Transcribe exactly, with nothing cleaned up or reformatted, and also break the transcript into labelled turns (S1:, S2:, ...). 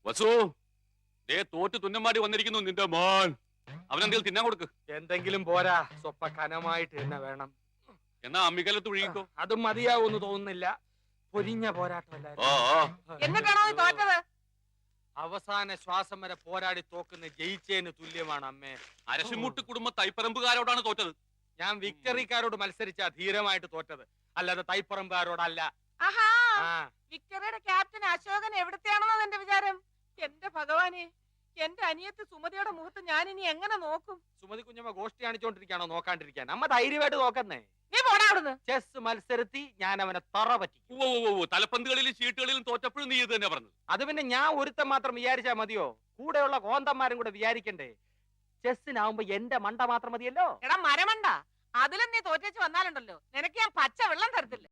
S1: വസു ദേ തോറ്റ് തുന്നമാടി വന്നിരിക്കുന്നു നിന്റെ മോൻ. അവനെന്തെങ്കിലും തിന്നാൻ കൊടുക്ക്.
S2: എന്തെങ്കിലും പോരാ, സ്വപ്പ കനമായിട്ട് തന്നെ വേണം.
S1: എന്നാ അമ്മിക്കലത്ത് ഒഴുകിക്കോ.
S2: അതും മതിയാവൂന്ന് തോന്നുന്നില്ല. പൊരിഞ്ഞ പോരാട്ടമല്ലായിരുന്നു.
S1: ഓ
S3: എന്നിട്ടാണോ നീ തോറ്റത്?
S2: അവസാന ശ്വാസം വരെ പോരാടി തോക്കുന്ന ജയിച്ചേന് തുല്യമാണ് അമ്മേ.
S1: അരശിമുട്ട് കുടുംബ തൈപ്പറമ്പുകാരോടാണ് തോറ്റത്.
S2: ഞാൻ വിക്ടറിക്കാരോട് മത്സരിച്ച ധീരമായിട്ട് തോറ്റത്, അല്ലാതെ തൈപ്പറമ്പുകാരോടല്ല.
S3: ആഹാ,
S2: ആ
S3: വിക്ടറിയുടെ ക്യാപ്റ്റൻ അശോകൻ എവിടത്തെയാണെന്നോ എന്റെ വിചാരം. എന്റെ ഭഗവാനെ, എന്റെ അനിയത്ത് സുമതിയുടെ മുഖത്ത് ഞാൻ ഇനി എങ്ങനെ നോക്കും?
S2: സുമതി കുഞ്ഞമ്മ ഗോഷ്ടി കാണിച്ചോണ്ടിരിക്കാണോ നോക്കാണ്ടിരിക്കാൻ? അമ്മ ധൈര്യമായിട്ട് നോക്കുന്നേ.
S3: നീ പോടാ അവിടുന്ന്.
S2: ചെസ് മത്സരത്തി ഞാൻ അവനെ തറ പറ്റിക്കും.
S1: ഓ ഓ ഓ തലപ്പന്തുകളിലും ചീട്ടുകളിലും തോറ്റപ്പോഴും നീ ഇത് തന്നെ പറഞ്ഞത്.
S2: അത് പിന്നെ ഞാൻ ഒരുത്തം മാത്രം വിചാരിച്ചാ മതിയോ? കൂടെയുള്ള കോന്തന്മാരും കൂടെ വിചാരിക്കണ്ടേ? ചെസ്സിനാവുമ്പോ എന്റെ മണ്ട മാത്രം മതിയല്ലോ.
S3: എടാ മരമണ്ട, അതിലും നീ തോറ്റേച്ച് വന്നാലുണ്ടല്ലോ നിനക്ക് ഞാൻ പച്ച വെള്ളം തരത്തില്ല.